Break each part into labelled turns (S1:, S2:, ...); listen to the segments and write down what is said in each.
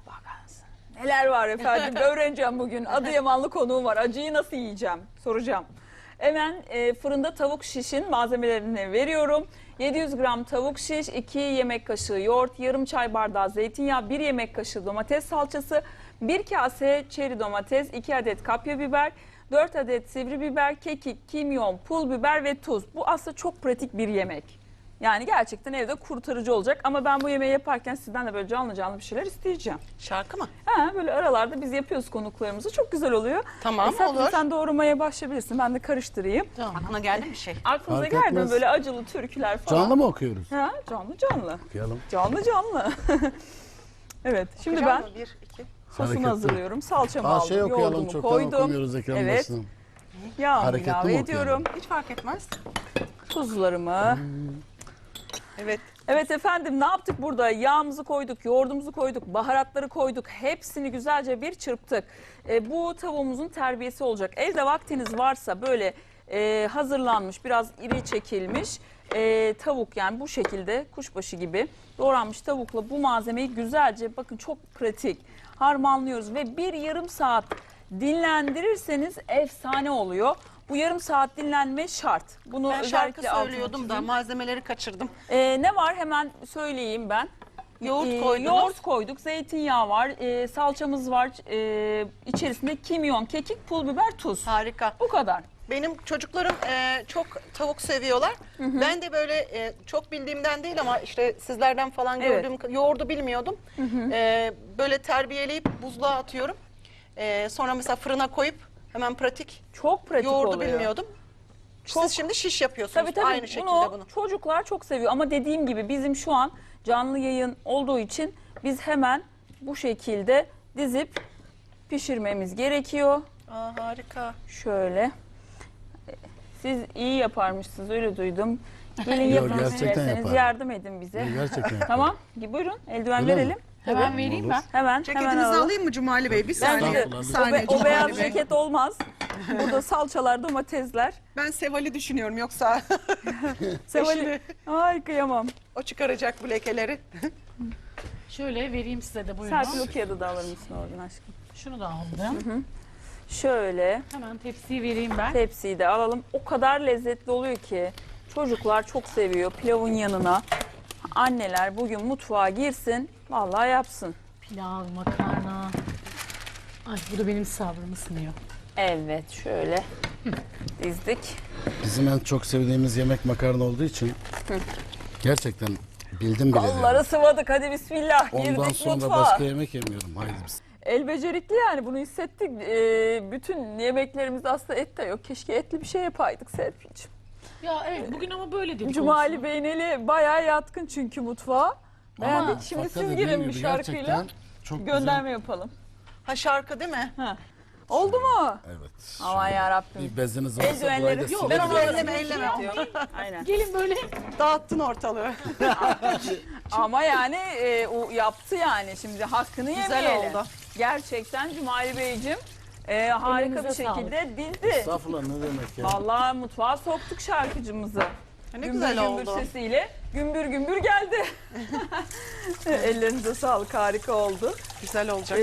S1: Bakarsın. Neler var efendim öğreneceğim bugün. Adıyamanlı konuğum var. Acıyı nasıl yiyeceğim soracağım. Hemen fırında tavuk şişin malzemelerini veriyorum. 700 gram tavuk şiş, 2 yemek kaşığı yoğurt, yarım çay bardağı zeytinyağı, 1 yemek kaşığı domates salçası, 1 kase çeri domates, 2 adet kapya biber, 4 adet sivri biber, kekik, kimyon, pul biber ve tuz. Bu aslında çok pratik bir yemek. Yani gerçekten evde kurtarıcı olacak ama ben bu yemeği yaparken sizden de böyle canlı canlı bir şeyler isteyeceğim.
S2: Şarkı mı?
S1: Ha, böyle aralarda biz yapıyoruz konuklarımızı. Çok güzel oluyor.
S2: Tamam, olur.
S1: Sen doğramaya başlayabilirsin. Ben de karıştırayım.
S2: Tamam. Aklına geldi mi bir şey?
S1: Aklınıza
S3: Fark
S1: geldi mi
S3: etmez.
S1: böyle acılı türküler falan?
S3: Canlı mı okuyoruz?
S1: Ha, canlı.
S3: Okuyalım.
S1: Canlı. Evet, şimdi
S2: Okuyacak
S1: ben
S2: mı? 1, 2.
S1: sosunu
S3: Hareketli.
S1: hazırlıyorum. Salçamı aldım,
S3: Okuyalım,
S1: yoğurdumu
S3: çoktan
S1: koydum.
S3: okumuyoruz ekran
S1: Evet.
S3: başına.
S1: Yağımı
S3: Hareketli
S1: ilave
S3: mi
S1: ediyorum.
S2: Hiç fark etmez.
S1: Tuzlarımı.
S2: Evet.
S1: Evet efendim, ne yaptık burada? Yağımızı koyduk, yoğurdumuzu koyduk, baharatları koyduk. Hepsini güzelce bir çırptık. Bu tavuğumuzun terbiyesi olacak. Evde vaktiniz varsa böyle hazırlanmış, biraz iri çekilmiş tavuk, yani bu şekilde kuşbaşı gibi doğranmış tavukla bu malzemeyi güzelce, bakın çok pratik, harmanlıyoruz ve bir yarım saat dinlendirirseniz efsane oluyor. Bu yarım saat dinlenme şart. Bunu
S2: Ben şarkı
S1: özellikle altını
S2: söylüyordum da
S1: çizeyim.
S2: malzemeleri kaçırdım.
S1: Ne var hemen söyleyeyim ben.
S2: Yoğurt koydunuz.
S1: Yoğurt koyduk, zeytinyağı var, salçamız var, içerisinde kimyon, kekik, pul biber, tuz.
S2: Harika.
S1: Bu kadar.
S2: Benim çocuklarım çok tavuk seviyorlar. Ben de böyle çok bildiğimden değil ama işte sizlerden falan
S1: Evet.
S2: gördüğüm yoğurdu bilmiyordum. Böyle terbiyeleyip buzluğa atıyorum. Sonra mesela fırına koyup hemen pratik.
S1: Çok pratik
S2: Yoğurdu
S1: oluyor.
S2: bilmiyordum.
S1: Çok-
S2: Siz şimdi şiş yapıyorsunuz
S1: Tabii
S2: aynı şekilde bunu.
S1: çocuklar çok seviyor ama dediğim gibi bizim şu an canlı yayın olduğu için biz hemen bu şekilde dizip pişirmemiz gerekiyor.
S2: Aa, harika.
S1: Şöyle. Siz iyi yaparmışsınız, öyle duydum. Gelin
S3: Yok,
S1: yapın
S3: gerçekten
S1: isterseniz,
S3: yaparım.
S1: yardım edin bize.
S3: Gerçekten.
S1: Tamam, buyurun eldiven
S3: Öyle mi?
S1: verelim.
S4: Hemen
S3: Tabii.
S4: vereyim
S3: Olur.
S4: ben.
S1: Hemen
S2: Ceketinizi
S1: alalım.
S2: alayım mı Cumali Bey? Bir
S1: Bence
S2: saniye.
S3: Estağfurullah.
S2: Bir saniye
S1: o beyaz
S2: Cumali Bey.
S1: ceket olmaz. Burada salçalar, domatesler.
S2: Ben Seval'i düşünüyorum yoksa
S1: Sevali. Ay kıyamam.
S2: o çıkaracak bu lekeleri.
S4: Şöyle vereyim size de buyurun.
S1: Serpil o kağıdı da alır mısın oradan aşkım?
S4: Şunu da aldım.
S1: Şöyle
S4: Hemen tepsiyi vereyim ben.
S1: tepsiyi de alalım. O kadar lezzetli oluyor ki çocuklar çok seviyor pilavın yanına. Anneler bugün mutfağa girsin, vallahi yapsın.
S4: Pilav, makarna. Ay bu da benim sabrımı sınıyor.
S1: Evet, şöyle dizdik.
S3: Bizim en çok sevdiğimiz yemek makarna olduğu için gerçekten bildim bile.
S1: Kolları sıvadık, hadi bismillah.
S3: Ondan
S1: Girdik
S3: sonra
S1: mutfağa.
S3: başka yemek yemiyorum. Haydi biz.
S1: El becerikli yani, bunu hissettik. Bütün yemeklerimizde aslında et de yok. Keşke etli bir şey yapaydık Serpil'ciğim.
S4: Ya evet bugün ama böyle dedik.
S1: Cumali
S4: olsun.
S1: Bey'in eli bayağı yatkın çünkü mutfağa. Beğendik. Şimdi
S3: Fakat
S1: siz
S3: dediğim
S1: girin bir
S3: gibi
S1: şarkıyla
S3: gerçekten çok
S1: gönderme yapalım.
S2: Ha şarkı değil mi?
S1: Ha. Oldu mu?
S3: güzel. Evet.
S1: Aman yarabbim.
S3: Bir beziniz varsa
S1: Eldivenleri-
S3: burayı da
S1: Yok,
S3: silin.
S2: Ben onu
S3: Biraz-
S2: elleme.
S1: Aynen.
S4: Gelin böyle.
S2: Dağıttın ortalığı.
S1: Ama yani o yaptı yani, şimdi hakkını
S2: Güzel
S1: yemeyelim.
S2: oldu.
S1: Gerçekten Cumali Beyciğim harika bir
S4: Elinize
S1: şekilde dizdi.
S3: Estağfurullah, ne demek ya.
S1: Vallahi mutfağa soktuk şarkıcımızı.
S2: Ne
S1: Gümbür
S2: güzel
S1: gümbür
S2: oldu.
S1: sesiyle gümbür gümbür geldi. Ellerinize sağlık, harika oldu.
S2: Güzel olacak.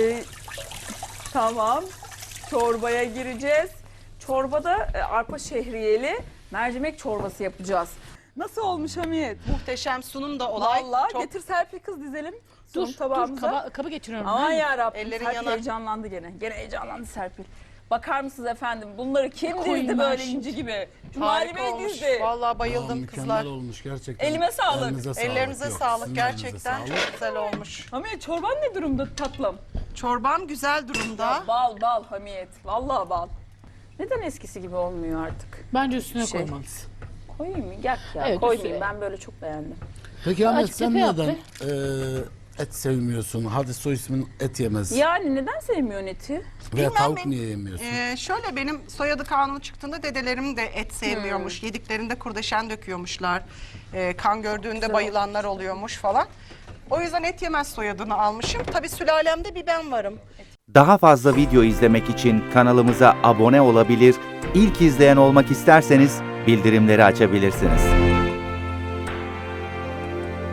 S1: Tamam, çorbaya gireceğiz. Çorbada arpa şehriyeli mercimek çorbası yapacağız. Nasıl olmuş Hamiyet?
S2: Muhteşem sunum da olay.
S1: Vallahi
S2: Çok
S1: getir Serpil kız, dizelim. Sunum
S4: Dur
S1: tabağımıza.
S4: kabı getiriyorum.
S1: Aman
S4: ben.
S1: yarabbim,
S2: Ellerin
S1: Serpil
S2: yanar.
S1: heyecanlandı gene. Gene heyecanlandı Serpil. Bakar mısınız efendim, bunları kim dizdi
S4: Koyunlar
S1: böyle
S4: şimdi.
S1: inci gibi? Cumali
S2: harika
S1: Bey
S2: olmuş.
S1: dizdi.
S2: Vallahi
S3: Aa,
S2: bayıldım
S3: mükemmel
S2: kızlar.
S3: olmuş gerçekten.
S1: Elime sağlık.
S2: Ellerinize
S3: Yok,
S2: sağlık.
S3: sizin
S2: Gerçekten
S3: elinize sağlık.
S2: çok güzel olmuş.
S1: Hamiyet, çorban ne durumda tatlım?
S2: Çorbam güzel durumda.
S1: Bal Hamiyet. Vallahi bal. Neden eskisi gibi olmuyor artık?
S4: Bence üstüne
S1: Şey.
S4: koymalısın.
S1: Koyayım mı? Gel ya,
S4: Evet,
S1: koymayayım.
S4: üstüne.
S1: Ben böyle çok beğendim.
S3: Peki Ahmet,
S4: Açık
S3: sen
S4: tepe
S3: neden
S4: yaptı.
S3: et sevmiyorsun? Hadi soy ismin et yemez.
S1: Yani neden sevmiyorsun eti?
S3: Veya
S2: Bilmem
S3: tavuk
S2: ben-
S3: niye yemiyorsun?
S2: Şöyle benim soyadı kanunu çıktığında dedelerim de et sevmiyormuş. Yediklerinde kurdeşen döküyormuşlar. Kan gördüğünde bayılanlar oluyormuş falan. O yüzden et yemez soyadını almışım. Tabii sülalemde bir ben varım.
S5: Daha fazla video izlemek için kanalımıza abone olabilir, ilk izleyen olmak isterseniz bildirimleri açabilirsiniz.